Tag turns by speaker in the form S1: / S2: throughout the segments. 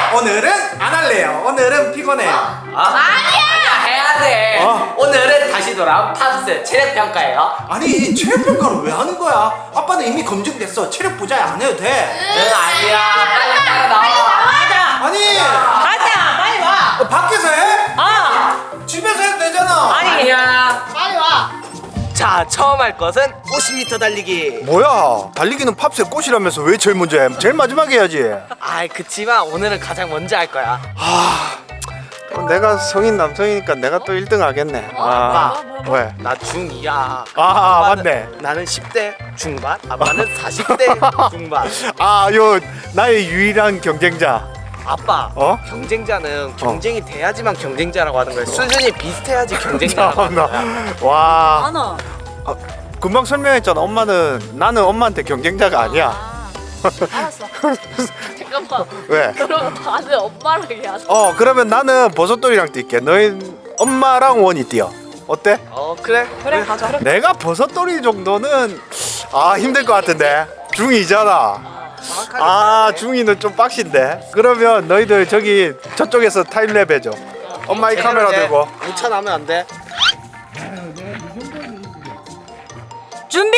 S1: 오늘은 안 할래요. 오늘은 피곤해요.
S2: 아니야 해야 돼. 오늘은 다시 돌아온 팝스 체력 평가예요.
S1: 아니 체력 평가를 왜 하는 거야? 아빠는 이미 검증됐어. 체력 보장 안 해도 돼.
S2: 응 아니야. 빨리 따라 나와.
S1: 아니
S3: 가자 빨리 와.
S1: 밖에서 해? 집에서 해도 되잖아.
S2: 아니야.
S3: 빨리 와.
S2: 자 처음 할 것은 50m 달리기.
S1: 뭐야? 달리기는 팝스의 꽃이라면서 왜 제일 먼저 해? 제일 마지막에 해야지.
S2: 아이 그치만 오늘은 가장 먼저 할 거야.
S1: 내가 성인 남성이니까 내가 또 1등 하겠네.
S2: 아빠.
S1: 왜?
S2: 나 중2야.
S1: 맞네.
S2: 나는 10대 중반, 아빠는 40대 중반.
S1: 요 나의 유일한 경쟁자.
S2: 아빠, 경쟁자는 경쟁이 돼야지만 경쟁자라고 하는 거야. 수준이 비슷해야지 경쟁자라고 하는 거야.
S1: 와.
S3: 안아.
S1: 금방 설명했잖아. 나는 엄마한테 경쟁자가 아니야.
S3: 알았어. 잠깐만.
S1: 왜?
S3: 그럼 다들 엄마랑 해야지.
S1: 그러면 나는 버섯돌이랑 뛸게. 너희 엄마랑 원이 뛰어. 어때?
S2: 그래.
S3: 그래 가자.
S1: 내가 버섯돌이 정도는 힘들 것 같은데. 중2잖아. 중2는 좀 빡신데. 그러면 너희들 저쪽에서 타임랩 해줘. 엄마 이 카메라 들고.
S2: 우차나면 안 돼.
S3: 준비.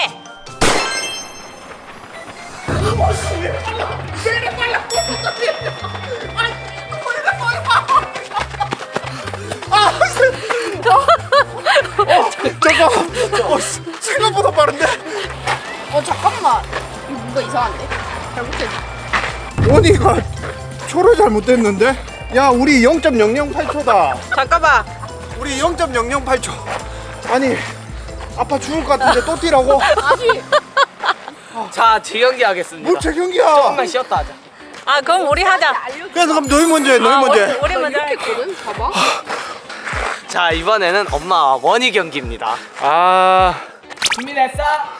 S1: 잠깐. 생각보다 빠른데.
S3: 잠깐만. 이거 뭔가 이상한데? 잘못했네.
S1: 원이가 초를 잘못됐는데? 야 우리 0.008초다.
S3: 잠깐만.
S1: 우리 0.008초. 아니 아빠 죽을 것 같은데 또 뛰라고?
S3: 아니.
S2: 자, 재경기 하겠습니다.
S1: 뭐 재경기야?
S2: 조금만 쉬었다 하자.
S3: 그럼 우리 하자.
S1: 그래서 그럼 너희 먼저 해. 너희 먼저 해.
S3: 우리 먼저 했거든. 봐봐.
S2: 자, 이번에는 엄마와 원희 경기입니다. 준비됐어?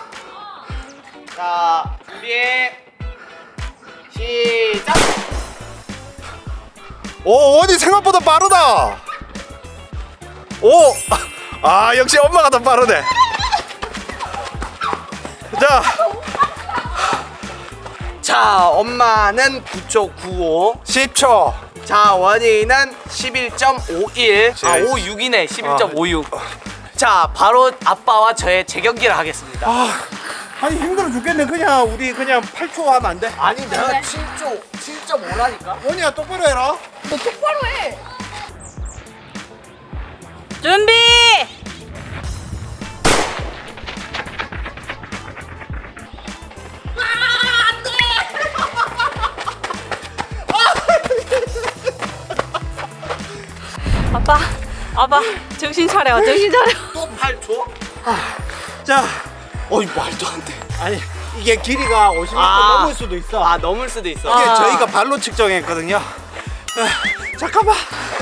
S2: 자, 준비. 시작.
S1: 원이 생각보다 빠르다. 역시 엄마가 더 빠르네.
S2: 자, 엄마는 9초 95.
S1: 10초.
S2: 자, 원희는 11.51. 56이네. 11.56. 자, 바로 아빠와 저의 재경기를 하겠습니다.
S1: 아니 힘들어 죽겠네. 우리 그냥 8초 하면 안 돼?
S2: 아니, 내가 7.5라니까.
S1: 원이야 똑바로 해라.
S3: 너 똑바로 해. 준비. 아빠 정신 차려.
S2: 또 8초?
S1: 자,
S2: 어이, 말도 안 돼.
S1: 아니 이게 길이가 50m 넘을 수도 있어.
S2: 넘을 수도 있어.
S1: 이게 저희가 발로 측정했거든요. 잠깐만.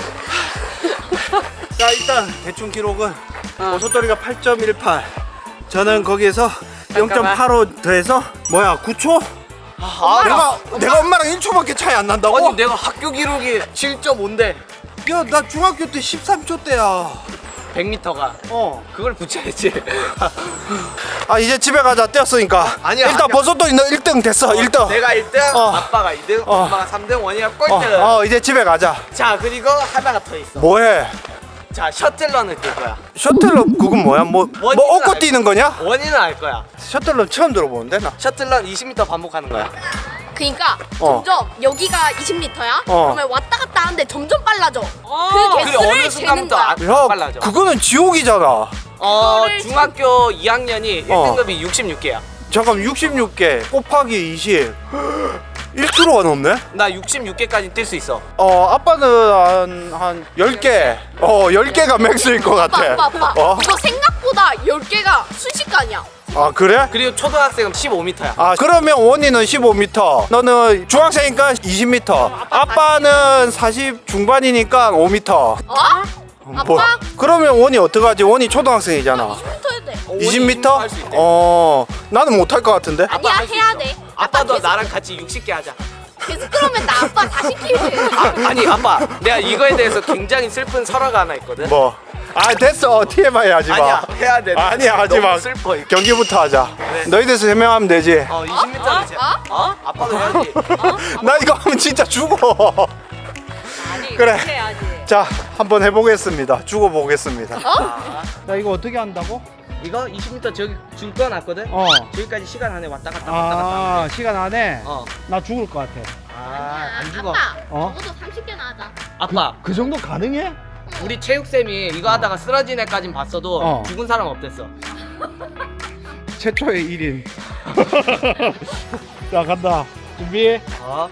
S1: 자 일단 대충 기록은 버섯돌이가 8.18. 저는 거기에서
S2: 잠깐만.
S1: 0.85 더해서 9초? 내가 엄마랑 1초밖에 차이 안 난다고?
S2: 아니, 내가 학교 기록이 7.5인데
S1: 야, 나 중학교 때 13초 때야.
S2: 100m가 그걸 붙여야지.
S1: 이제 집에 가자. 뛰었으니까.
S2: 아니야,
S1: 일단
S2: 아니야.
S1: 버섯돌이 너 1등 됐어. 1등.
S2: 내가 1등, 아빠가 2등, 엄마가 3등, 원희가 꼴등.
S1: 이제 집에 가자.
S2: 자, 그리고 하나가 더 있어.
S1: 뭐해?
S2: 자, 셔틀런을 뛸 거야.
S1: 셔틀럽 그건 뭐야? 뭐 얻고
S2: 알-
S1: 뛰는 거냐?
S2: 원희는 알 거야.
S1: 셔틀럽 처음 들어보는데 나.
S2: 셔틀런 20m 반복하는 거야.
S4: 그러니까 점점 여기가 20m야? 그러면 왔다 갔다 하는데 점점 빨라져. 그
S2: 그래,
S4: 개수를
S2: 어느
S4: 재는
S2: 순간부터
S4: 거야.
S1: 야,
S2: 빨라져.
S1: 그거는 지옥이잖아.
S4: 그거를
S2: 중학교 2학년이 1등급이 66개야.
S1: 잠깐 66개 곱하기 20. 1kg가 넘네?
S2: 나 66개까지 뛸 수 있어.
S1: 아빠는 한 10개. 10개가 맥스일 것 같아.
S4: 아빠. 이거 생각보다 10개가 순식간이야.
S1: 그래?
S2: 그리고 초등학생은 15m야.
S1: 그러면 원이는 15m. 너는 중학생이니까 20m. 아빠는 40 중반이니까 5m.
S4: 아빠?
S1: 그러면 원이 어떡하지? 원이 초등학생이잖아.
S4: 20m 해야 돼.
S1: 20m?
S2: 할수 있대.
S1: 나는 못할 것 같은데.
S4: 아니야,
S2: 할수
S4: 해야
S2: 있어.
S4: 돼.
S2: 아빠도
S4: 계속-
S2: 나랑 같이 60개 하자.
S4: 계속 그러면 나 아빠 다 시키지.
S2: 아니 아빠, 내가 이거에 대해서 굉장히 슬픈 설화가 하나 있거든.
S1: 뭐? 아 됐어. TMI 하지 마.
S2: 아니야 해야 돼.
S1: 아니야 하지 마.
S2: 너무 슬퍼 이거.
S1: 경기부터 하자.
S2: 네.
S1: 너희들 설명하면 되지.
S2: 20m는 아빠도 해야지.
S1: 나 이거 하면 진짜 죽어.
S3: 아니
S1: 그래.
S3: 그렇게 해야지.
S1: 자, 한번 해보겠습니다. 죽어보겠습니다.
S2: 아,
S5: 나 이거 어떻게 한다고?
S2: 이거 20m 저기 줄 꺼놨거든.
S5: 어.
S2: 저기까지 시간 안에 왔다 갔다 왔다 갔다.
S5: 아 시간 안에
S2: 어.
S5: 나 죽을 것 같아.
S2: 아안 죽어.
S4: 아빠
S5: 어?
S4: 적어도 30개나 하자.
S2: 아빠
S5: 그 정도 가능해?
S2: 우리 체육쌤이 이거 하다가 쓰러진 애까진 봤어도
S5: 어.
S2: 죽은 사람 없댔어.
S5: 최초의 1인. 자 간다. 준비.
S2: 어.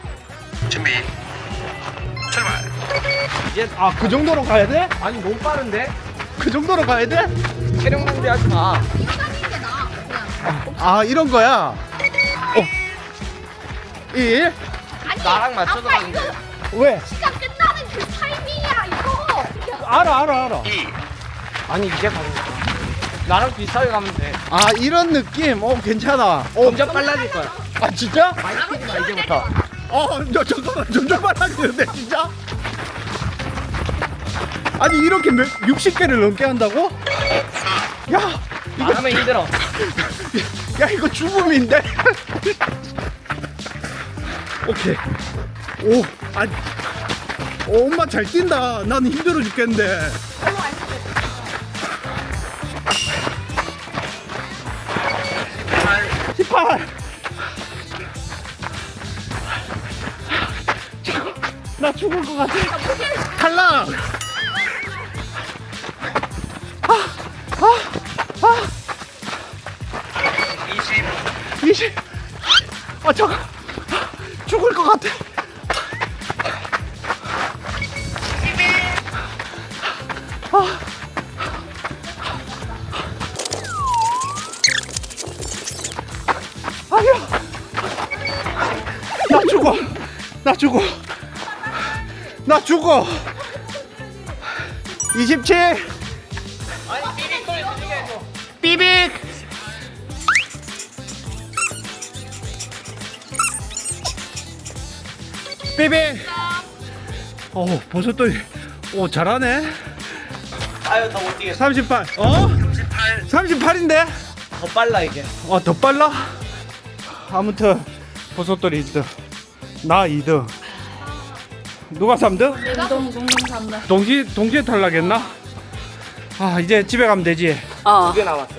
S2: 이제
S5: 아 그 정도로 가야 돼?
S2: 아니 너무 빠른데?
S5: 그 정도로 가야 돼?
S2: 체력 낭비하지 마.
S4: 뛰어다니는 게 나아 그냥.
S5: 아 이런 거야. 1.
S4: 아니
S2: 나랑 맞춰서
S4: 아빠
S2: 가는데.
S4: 이거
S5: 왜?
S4: 시간 끝나는 그 타이밍이야 이거.
S5: 알아.
S2: 아니 이제 가는 거야. 나랑 비슷하게 가면 돼.
S5: 아 이런 느낌. 괜찮아.
S2: 점점 빨라질 거야.
S5: 아 진짜?
S2: 많이 뛰지 마 이제부터.
S5: 저 잠깐만 점점 빨라지는데 진짜? 아니 이렇게 60개를 넘게 한다고? 야
S2: 말하면 힘들어.
S5: 야 이거 죽음인데? 오케이. 엄마 잘 뛴다. 나는 힘들어 죽겠는데. 18. 나 죽을 것 같아. 탈락. 20. 아 잠깐. 죽을 것 같아. 아니야. 나 죽어. 나 죽어. 27. 삐빅. 삐빅. 버섯돌이. 잘하네.
S2: 아유 더 못 뛰겠어.
S5: 38. 38인데?
S2: 더 빨라 이게.
S5: 더 빨라? 아무튼 버섯돌이 1등. 나 2등. 누가 3등?
S3: 동동 3등.
S5: 동시에 탈락했나? 이제 집에 가면 되지.
S2: 두 개 남았어.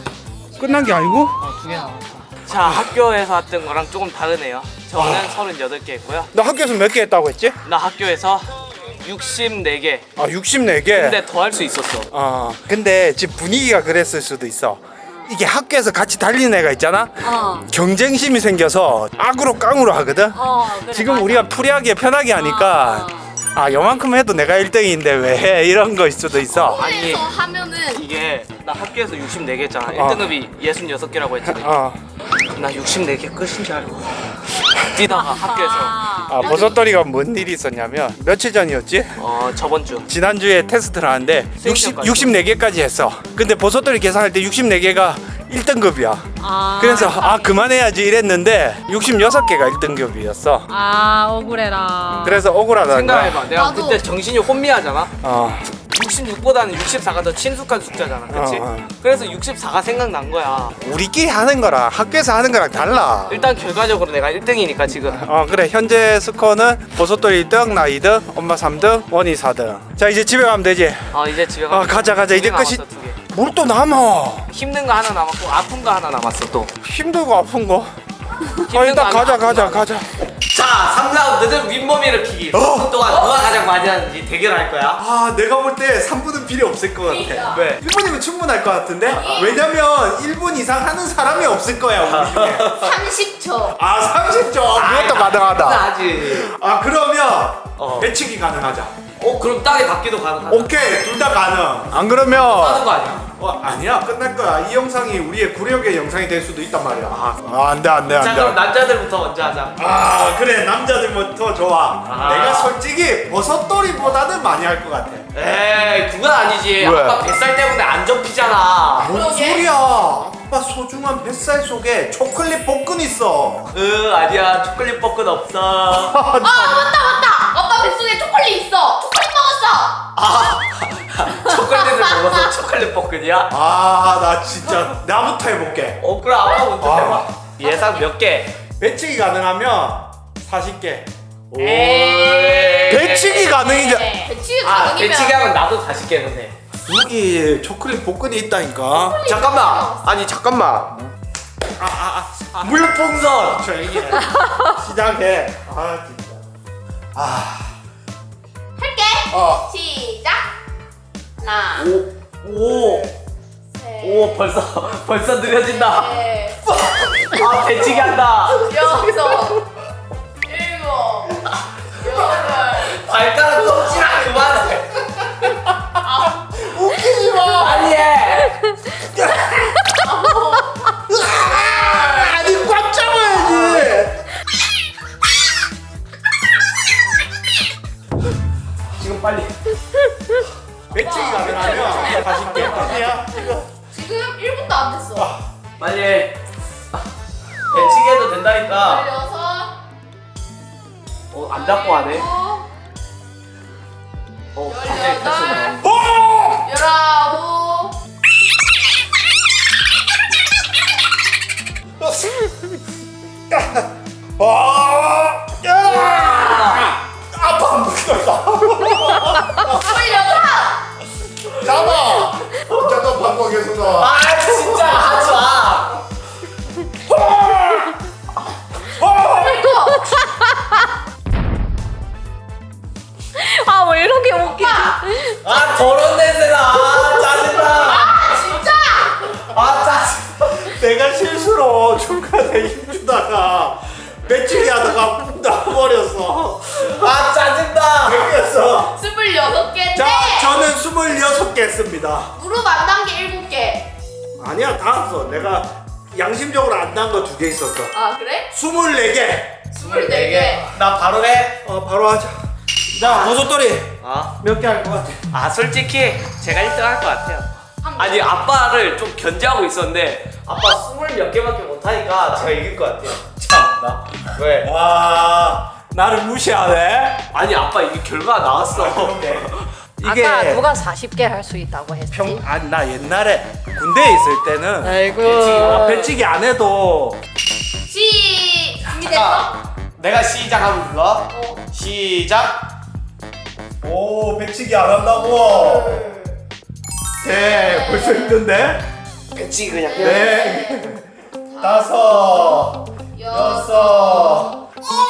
S5: 끝난 게 아니고?
S2: 두 개 남았어. 자 학교에서 했던 거랑 조금 다르네요. 저는 38개 했고요.
S1: 너 학교에서 몇 개 했다고 했지?
S2: 나 학교에서 64개.
S1: 64개.
S2: 근데 더 할 수 있었어.
S1: 근데 집 분위기가 그랬을 수도 있어. 이게 학교에서 같이 달리는 애가 있잖아. 경쟁심이 생겨서 악으로 깡으로 하거든.
S3: 그래,
S1: 지금
S3: 맞아.
S1: 우리가 프리하게 편하게 하니까 요만큼 해도 내가 1등인데 왜 이런 거일 수도 있어.
S2: 아니.
S4: 그래서 하면은
S2: 이게 나 학교에서 64개 했잖아. 1등급이 66개라고 했잖아. 나 64개 끝인 줄 알고 뛰다가 학교에서
S1: 버섯돌이가 뭔 일이 있었냐면 며칠 전이었지?
S2: 저번 주
S1: 지난주에 테스트를 하는데
S2: 수행평가였어.
S1: 64개까지 했어. 근데 버섯돌이 계산할 때 64개가 1등급이야. 그래서 그만해야지 이랬는데 66개가 1등급이었어.
S3: 억울해라.
S1: 그래서 억울하다.
S2: 생각해봐. 내가
S4: 나도.
S2: 그때 정신이 혼미하잖아.
S1: 어.
S2: 66보다는 64가 더 친숙한 숫자잖아. 그치? 그래서 64가 생각난 거야.
S1: 우리끼리 하는 거랑 학교에서 하는 거랑 달라.
S2: 일단 결과적으로 내가 1등이니까 지금.
S1: 그래. 현재 스코어는 버섯돌이 1등, 나 2등, 엄마 3등, 원이 4등. 자, 이제 집에 가면 되지.
S2: 이제 집에 가.
S1: 가자. 이제 끝이. 뭘 또 남아?
S2: 힘든 거 하나 남았고 아픈 거 하나 남았어 또.
S1: 힘들고 아픈 거.
S2: 힘든
S1: 일단
S2: 거 하나,
S1: 가자.
S2: 아픈 거 하나. 자, 3라운드는 윗몸 일으키기. 3분 동안 누가 가장 많이 하는지 대결할 거야.
S1: 내가 볼 때 3분은 필요 없을 것 같아.
S2: 왜?
S1: 1분이면 충분할 것 같은데? 왜냐면 1분 이상 하는 사람이 없을 거야, 우리 중에.
S4: 30초.
S1: 30점. 그것도 가능하다.
S2: 하지.
S1: 그러면
S2: 어.
S1: 배치기 가능하자.
S2: 그럼 땅에 닿기도 가능하다.
S1: 오케이, 둘 다 가능. 안 그러면
S2: 하는 거 아니야?
S1: 아니야, 끝날 거야. 이 영상이 우리의 구력의 영상이 될 수도 있단 말이야. 안 돼.
S2: 자, 그럼 남자들부터 먼저 하자.
S1: 그래, 남자들부터 좋아. 내가 솔직히 버섯돌이보다는 많이 할 것 같아.
S2: 에이, 그건 아니지.
S1: 왜?
S2: 아빠 뱃살 때문에 안 접히잖아.
S1: 뭔 소리야? 아빠 소중한 뱃살 속에 초콜릿 볶은 있어.
S2: 아니야. 초콜릿 볶은 없어.
S4: 맞다. 아빠 뱃속에 초콜릿 있어. 초콜릿 먹었어.
S2: 초콜릿을 초콜릿 볶음이야?
S1: 아, 나 진짜 나부터 해볼게.
S2: 그럼 아빠 먼저
S1: 아.
S2: 해봐. 예상 몇 개?
S1: 배치기 가능하면 40개.
S2: 배
S1: 배치기 가능이자.
S4: 배치기
S2: 아,
S4: 가능이면
S2: 배치기 하면 나도 40개는데.
S1: 여기 초콜릿 복근이 있다니까.
S2: 잠깐만. 아니, 잠깐만. 물풍선.
S1: 조용히 해. 시작해. 아, 진짜.
S4: 할게. 시작. 하나,
S2: 오.
S4: 셋,
S2: 오, 벌써 느려진다.
S4: 넷,
S2: 아, 배치기 한다.
S4: 여섯, 일곱, 여덟.
S2: 발가락 꼼지락 그만해. 웃기지 마. 빨리 해.
S1: 아니, 꽉 잡아야지.
S2: 지금 빨리.
S1: 배치기 가능하면 40개. 어디야?
S4: 지금 1분도 안 됐어.
S2: 빨리 해. 배치기 해도 된다니까.
S4: 16,
S2: 안 잡고 하네.
S4: 17,
S2: 갑자기 다시 나오네.
S4: 19.
S1: 아빠 묶였다.
S4: 26.
S1: 잡아. 잠깐 방법 계속 나와.
S2: 아, 진짜 하지 마.
S3: 아, 왜 이렇게 웃기지?
S2: 아, 더러운 냄새나. 아, 짜증나.
S4: 진짜.
S2: 아, 짜증나.
S1: 내가 실수로 중간에 힘주다가 배치기 하다가 푹 나와버렸어.
S2: 아, 짜증나.
S1: 그래서
S4: 26개인데
S1: 자, 저는 26개 했습니다.
S4: 무릎 안 단 게 7개.
S1: 아니야, 다 했어. 내가 양심적으로 안 난 거 2개 있었어.
S4: 아 그래?
S1: 24개.
S4: 24개.
S2: 나 바로 해.
S1: 바로 하자. 자, 버섯돌이
S2: 아,
S1: 몇 개 할 것 같아?
S2: 솔직히 제가 1등 할 것 같아요. 아니, 아빠를 좀 견제하고 있었는데 아빠 20몇 개밖에 못하니까 제가 이길 것 같아요. 참나. 왜?
S1: 와, 나를 무시하네.
S2: 아니, 아빠 이게 결과가 나왔어.
S1: 이게
S3: 아까 누가 40개 할 수 있다고 했지?
S1: 아니, 나 옛날에 군대에 있을 때는
S3: 아이고.
S1: 배치기 안 해도
S4: 준비됐어?
S2: 내가 시작하면 불러. 시작.
S1: 오, 배치기 안 한다고. 네, 벌써 힘든데?
S2: 배치 그냥.
S1: 네, 다섯, 여섯.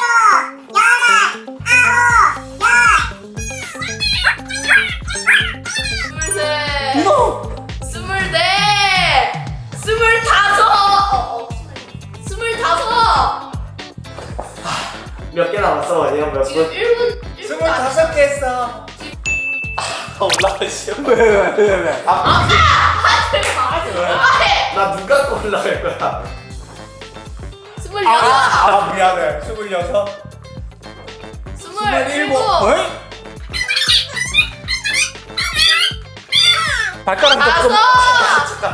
S4: 스물셋.
S1: 이거
S4: 스물넷. 스물다섯. 스물다섯.
S2: 몇 개 남았어? 내가 몇
S4: 지금
S2: 분?
S4: 1분
S1: 25개 했어.
S2: 올라가시오.
S1: 왜?
S4: 하지 마. 해.
S2: 나 눈 감고 올라갈 거야.
S4: 26.
S1: 아, 미안해. 26,
S4: 27.
S1: 어이? 발가락
S4: 다섯.
S1: 조금.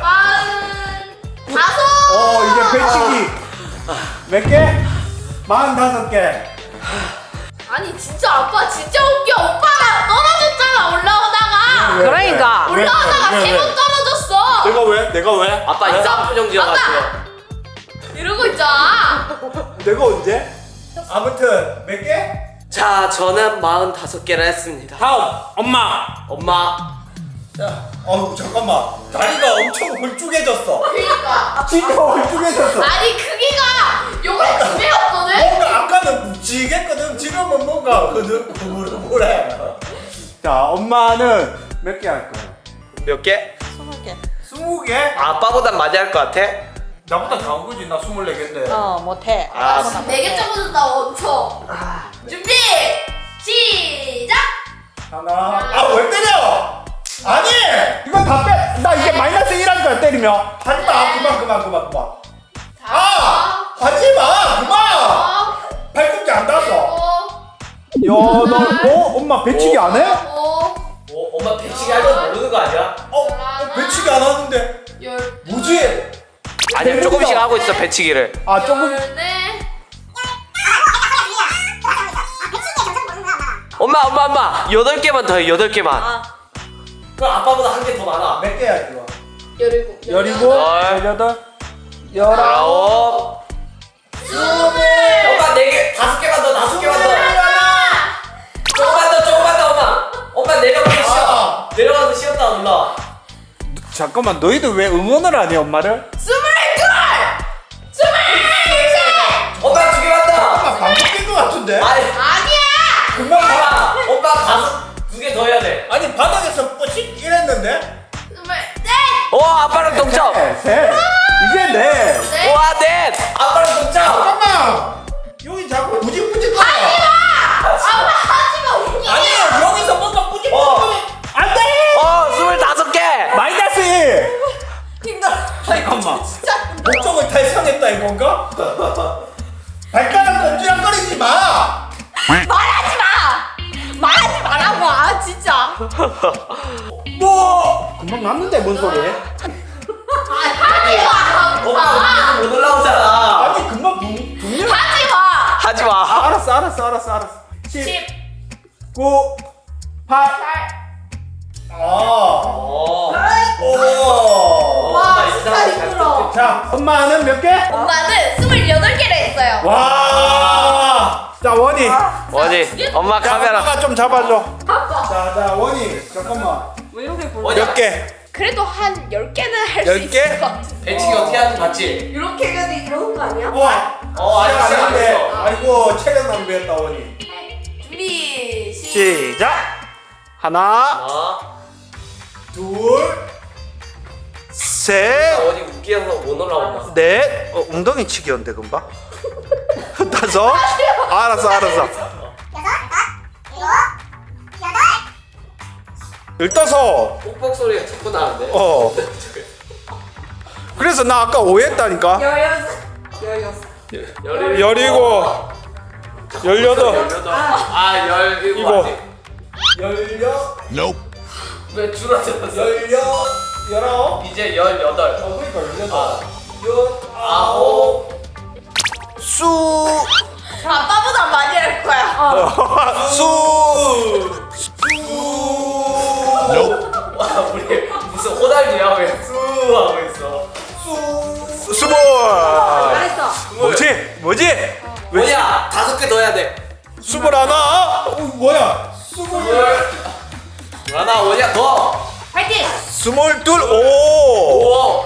S4: 다섯.
S1: 이제 배치기. 몇 개? 45개.
S4: 아니 진짜 아빠 진짜 웃겨. 오빠가 떨어졌잖아 올라오다가.
S3: 그러니까.
S4: 올라오다가 3번 떨어졌어.
S1: 내가 왜?
S2: 아빠 이상표정지여가지고.
S4: 이러고 있잖아.
S1: 내가 언제? 아무튼 몇 개?
S2: 자, 저는 45개를 했습니다.
S1: 다음 엄마.
S2: 엄마.
S1: 자, 잠깐만. 다리가 엄청 홀쭉해졌어.
S4: 그러니까.
S1: 진짜 홀쭉해졌어.
S4: 아니 크기가 요번에 2배였거든.
S1: 뭔가 아까는 묵직했거든. 지금은 뭔가 흐물흐물해. 자, 엄마는 몇 개 할 거야?
S2: 몇 개?
S1: 20개?
S2: 아빠보단 많이 할 것 같아?
S1: 나보다 다한 거지. 나 24개인데.
S3: 못해.
S2: 아,
S4: 4개 적어준다 엄청. 준비 시작.
S1: 하나. 왜 때려? 아니! 이건 다 빼. 나 이제 마이너스 1 할 거야, 때리면. 하지 마. 그만. 하지 마. 그만. 팔꿈치 안 닿았어. 야, 엄마 배치기 안 해?
S2: 엄마 배치기 할 줄 모르는 거 아니야?
S1: 배치기 안 하는데. 뭐지?
S2: 아니야, 조금씩 하고 있어, 배치기를.
S1: 조금.
S2: 엄마 8개만 더 해, 8개만. 그럼 아빠보다 한 개 더 많아.
S1: 몇 개야 이거?
S4: 17.
S1: 17, 18, 19.
S2: 엄마 4개, 5개만 더, 5개만 더. 조금만 더, 엄마. 엄마 내려가서 쉬어. 내려가서 쉬었다 올라.
S1: 잠깐만, 너희들 왜 응원을 안 해, 엄마를?
S4: 22!
S2: 엄마 2개만 더.
S1: 방금 깬것 같은데?
S2: 아니,
S4: 아니야!
S1: 금방 봐.
S2: 엄마 가서 2개 더 해야 돼.
S1: 아니, 바닥에서 뿌씩 이랬는데?
S4: 24!
S2: 아빠랑 동점.
S1: 셋. 이제 넷.
S2: 와, 넷. 아빠랑 동점.
S1: 잠깐만. 여기 자꾸 뿌직뿌직 거려.
S4: 아빠 하지마 웃기지!
S1: 아니, 여기서 뭔가 뿌직뿌직 거려. 안 돼!
S2: 25개.
S1: 마이너스 1.
S4: 힘들어.
S1: 잠깐만.
S4: 진짜
S1: 목적을 달성했다 이건가? 발가락 꼼지락거리지 마.
S4: 말하지 마! 말하지 말라고! 아 진짜!
S1: 뭐? 금방 났는데 뭔 소리?
S4: 하지 마!
S2: 엄마 못 올라오잖아.
S1: 아니 금방 분명.
S4: 하지 마!
S2: 하지 마.
S1: 알았어. 10,
S4: 10,
S1: 9, 8.
S4: 8.
S2: 오.
S4: 와 진짜 힘들어.
S1: 자, 엄마는 몇 개?
S4: 엄마는 28개를 했어요.
S1: 와. 자, 원이.
S2: 뭐지? 엄마
S1: 자,
S2: 카메라.
S1: 엄마가 좀 잡아줘. 자, 원이. 잠깐만. 몇 개?
S4: 그래도 한 10개는 할 수
S1: 10개?
S4: 있을 것 같은데.
S2: 배치기 어떻게 하는지 봤지?
S4: 이렇게 해도 이러는 거 아니야?
S2: 아직 시작 안 했어.
S1: 아이고, 체력 낭비했다, 원이.
S4: 준비
S1: 시작. 하나,
S2: 아,
S1: 둘, 셋,
S2: 어디 웃기어서 못 올라온다.
S1: 넷. 엉덩이 치기였는데 금방. 다섯. 알았어. 열다섯.
S2: 뽁뽁 소리가 자꾸 나는데.
S1: 그래서 나 아까 오해했다니까.
S2: 17.
S1: 열이고, 18.
S2: 아, 17.
S1: 이거.
S2: 아직.
S1: 열여.
S2: 왜 줄어들었어?
S1: 19.
S2: 이제 18.
S1: 그러니까 18.
S2: 아홉.
S1: 수.
S4: 아빠보다 많이 할 거야.
S1: 수.
S2: 와, 우리 무슨 호달두야 왜 수 하고 있어.
S1: 스몰. 뭐지? 왜
S2: 뭐냐? 5개 더 해야 돼.
S1: 21? 뭐야?
S2: 하나 뭐냐? 더.
S4: 파이팅!
S1: 22. 오.
S2: 오.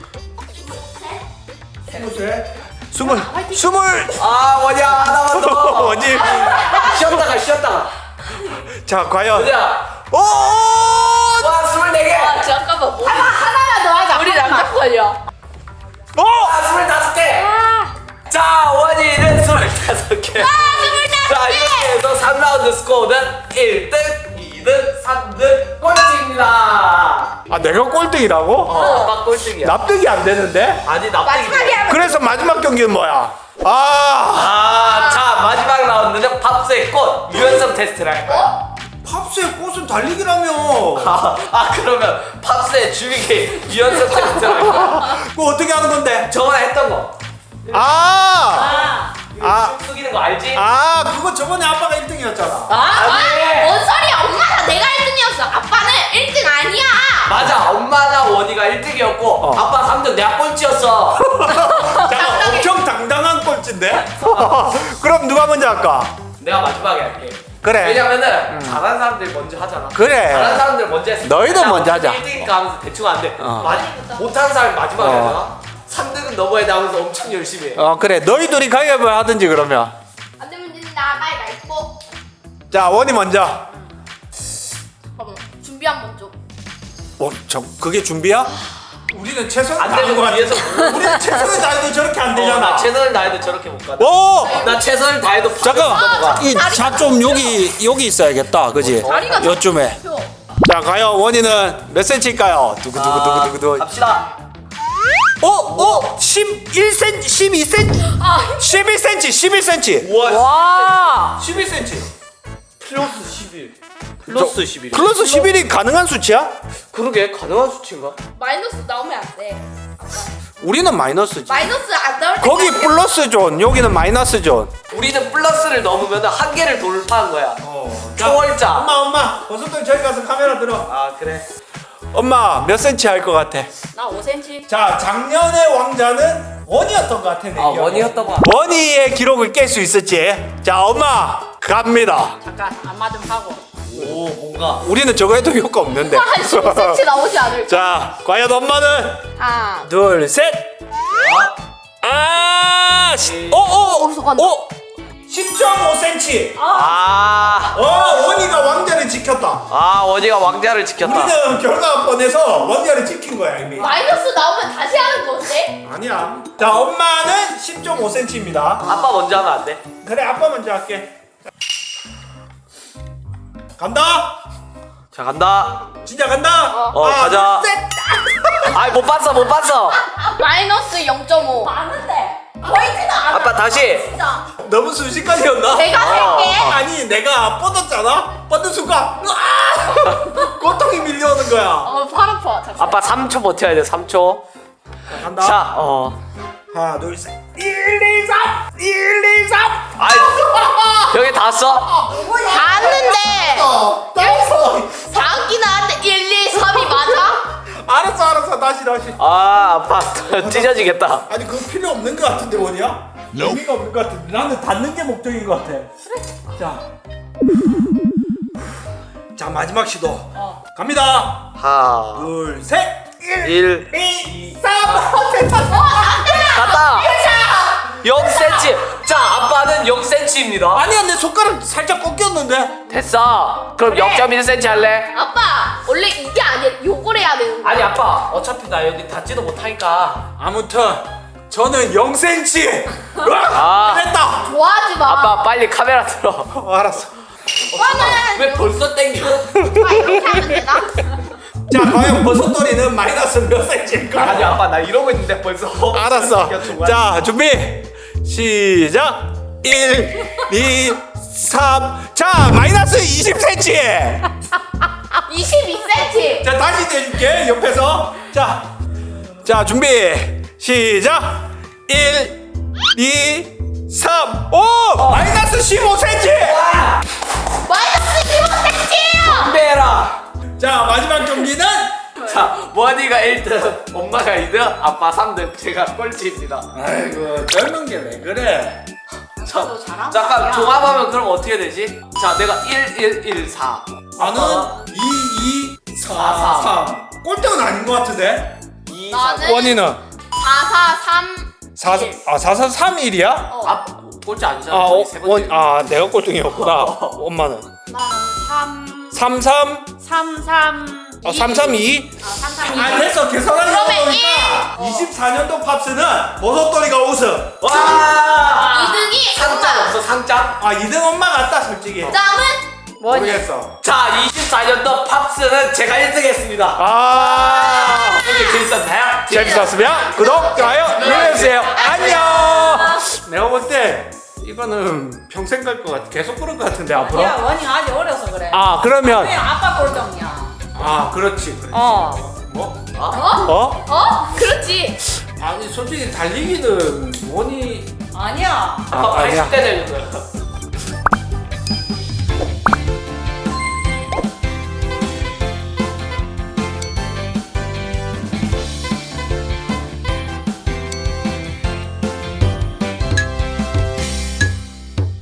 S1: 20.
S2: 아, 뭐냐? 하나만 더.
S1: 뭐지?
S2: 쉬었다가.
S1: 자, 과연.
S2: 뭐냐?
S1: 오!
S2: 와, 24개.
S4: 아 잠깐만 뭐 하나만 더 하자. 우리 남자 걸려.
S1: 오!
S2: 아, 25개. 자, 원희는 25개. 자, 이렇게 해서 3라운드 스코어는 1등, 2등, 3등 꼴찌입니다.
S1: 아, 내가 꼴등이라고?
S2: 아빠 꼴등이야.
S1: 납득이 안 되는데?
S2: 아니,
S4: 마지막에
S2: 납득이.
S4: 하면
S1: 그래서 마지막 경기는 뭐야? 아!
S2: 자, 마지막 라운드는 팝스의 꽃 유연성 테스트를 할 거야.
S1: 팝스의 꽃은 달리기라며.
S2: 그러면 팝스의 주위기 유연성 테스트를 할 거야.
S1: 그거 어떻게 하는 건데?
S2: 저번에 했던 거. 숙이는 거 알지?
S1: 그거 저번에 아빠가 1등이었잖아.
S4: 뭔 소리야? 엄마가 내가 1등이었어. 아빠는 1등 아니야.
S2: 맞아, 엄마나 원희가 1등이었고 아빠 3등, 내가 꼴찌였어.
S1: 잠깐, 엄청 당당한 꼴찌인데? 그럼 누가 먼저 할까?
S2: 내가 마지막에 할게.
S1: 그래.
S2: 왜냐면은 잘하는 사람들 먼저 하잖아.
S1: 그래.
S2: 잘하는 사람들 먼저 했어.
S1: 너희도 먼저 하자.
S2: 1등이니까 하면서 대충 안 돼. 못하는 사람이 마지막에 하잖아. 3등은 넘어야 돼 하면서 엄청 열심히 해.
S1: 그래. 너희 둘이 가위바위보 하든지 그러면.
S4: 안 되면 진다. 가위바위보.
S1: 자, 원이 먼저.
S4: 잠깐만. 준비 한번 좀.
S1: 그게 준비야? 우리는 최선을
S2: 안
S1: 다하는
S2: 되면
S1: 거 같아.
S2: 뒤에서
S1: 우리는 최선을 다해도 저렇게 안 되잖아.
S2: 나 최선을 다해도 저렇게 못 가다.
S1: 오!
S2: 나 최선을 다해도
S1: 잠깐.
S2: 넘어가.
S1: 이 차 좀 여기 있어야겠다. 그지?
S4: 다리가
S1: 요쯤에.
S4: 펴.
S1: 자, 과연 원이는 몇 센치일까요? 두구두구두구두구.
S2: 갑시다.
S1: 11cm, 12cm, 11cm, 11cm.
S2: 우와.
S1: 11cm.
S2: 플러스 11. 플러스 11.
S1: 플러스 11이 가능한 수치야?
S2: 그러게 가능한 수치인가?
S4: 마이너스 나오면 안 돼.
S1: 우리는 마이너스지.
S4: 마이너스 안 나올 때.
S1: 거기 플러스 존, 여기는 마이너스 존.
S2: 우리는 플러스를 넘으면 한계를 돌파한 거야. 초월자.
S1: 엄마, 버섯들 저기 가서 카메라 들어.
S2: 아 그래.
S1: 엄마 몇 센치 할 것 같아?
S3: 나 5cm.
S1: 자, 작년의 왕자는 원이었던 것 같아. 내
S2: 아
S1: 기억에.
S2: 원이었던 거야.
S1: 원이의 기록을 깰 수 있을지. 자, 엄마 갑니다.
S3: 잠깐 안마 좀 하고.
S2: 오 뭔가.
S1: 우리는 저거 해도 효과 없는데.
S4: 한 15cm 나오지 않을까?
S1: 자, 과연 엄마는
S4: 하나.
S1: 둘, 셋. 아,
S4: 어디서 간다?
S1: 10.5cm.
S2: 아
S1: 원이가 왕자를 지켰다.
S2: 원이가 왕자를 지켰다.
S1: 우리는 결과가 뻔해서 왕자를 지킨 거야 이미.
S4: 마이너스 나오면 다시 하는 건데?
S1: 아니야. 자, 엄마는 10.5cm입니다.
S2: 아빠 먼저 하면 안 돼?
S1: 그래, 아빠 먼저 할게. 간다.
S2: 자 간다.
S1: 진짜 간다.
S2: 가자. 아이 못 봤어.
S4: 마이너스 0.5. 많은데. 보이지도 않아.
S2: 아빠 다시.
S4: 진짜.
S1: 너무 순식간이었나?
S4: 내가 할게.
S1: 아니, 내가 뻗었잖아. 뻗은 순간 고통이 밀려오는 거야.
S4: 팔 아파. 잠깐.
S2: 아빠 3초 버텨야 돼. 3초.
S1: 간다.
S2: 자
S1: 하나, 둘, 셋. 1, 2, 3. 1, 2, 3.
S2: 아이 여기 다 써?
S4: 봤는데.
S1: 따라서.
S4: 4학기 나왔는데 1, 2, 3이 맞아?
S1: 알았어. 다시.
S2: 아빠 찢어지겠다.
S1: 아니, 그거 필요 없는 것 같은데, 원이야? 의미가 없는 것 같은데. 나는 닿는 게 목적인 것 같아. 그래. 자, 마지막 시도. 갑니다.
S2: 하나
S1: 둘, 셋.
S2: 1
S1: 2, 3.
S2: 갔다. 0cm. 자 아빠는 0cm입니다.
S1: 아니야, 내 손가락 살짝 꺾였는데.
S2: 됐어. 그럼 0.1cm 할래?
S4: 아빠 원래 이게 아니야. 요걸 해야 되는 거야.
S2: 아니 아빠 어차피 나 여기 닿지도 못하니까.
S1: 아무튼 저는 0cm.
S2: 아.
S1: 됐다.
S4: 좋아하지 마.
S2: 아빠 빨리 카메라 들어.
S1: 알았어.
S4: 오빠는
S2: 왜 벌써 땡겨?
S4: 오빠 이렇게 하면 되나?
S1: 자, 과연 버섯돌이는 마이너스 몇 cm일까?
S2: 아니 아빠 나 이러고 있는데 벌써.
S1: 알았어. 자, 준비. 시작. 1, 2, 3. 자, 마이너스 20cm.
S4: 22cm.
S1: 자, 다시 내줄게. 옆에서. 자, 준비. 시작. 1, 2, 3. 오! 마이너스 15cm.
S4: 마이너스 15cm예요.
S2: 준비해라.
S1: 자, 마지막 경기는
S2: 자 원이가 1등, 엄마가 2등, 아빠 3등, 제가 꼴찌입니다.
S1: 아이고, 젊은 게 왜 그래?
S2: 자,
S3: 나도 잘한
S2: 잠깐
S3: 거야.
S2: 종합하면 그럼 어떻게 되지? 자 내가 1, 1, 1, 4.
S1: 나는 2, 2, 4, 3. 꼴등은 아닌 것 같은데?
S2: 2, 4.
S4: 나는
S1: 원이는
S4: 4, 4, 3.
S1: 4, 4, 3, 1이야?
S2: 아 꼴찌 아니잖아. 저희 세 번째.
S1: 내가 꼴등이었구나. 엄마는
S3: 나는
S1: 3, 3,
S3: 3, 3.
S1: 3, 3, 2.
S3: 3, 3,
S1: 아, 됐어. 계산하려고
S4: 그러면
S1: 보니까 24년도 팝스는 버섯돌이가 우승.
S2: 와.
S4: 2등이
S2: 상장
S4: 엄마.
S2: 없어 상장?
S1: 2등 엄마 같다, 솔직히.
S4: 그다음은
S1: 모르겠어.
S2: 자 24년도 팝스는 제가 1등했습니다. 오늘 재밌었나요?
S1: 재밌었으면 구독, 좋아요 눌러주세요. 안녕. 내가 볼 때 이거는 평생 갈 것 같아. 계속 그럴 것 같은데 앞으로.
S3: 야, 원이 아직 어려서 그래.
S1: 그러면
S3: 그냥 아빠 꼴등이야.
S1: 그렇지.
S3: 어.
S1: 뭐?
S4: 그렇지.
S1: 아니, 솔직히 달리기는 원이
S3: 아니야.
S2: 아빠
S1: 아니야.
S2: 80대 되는 거야.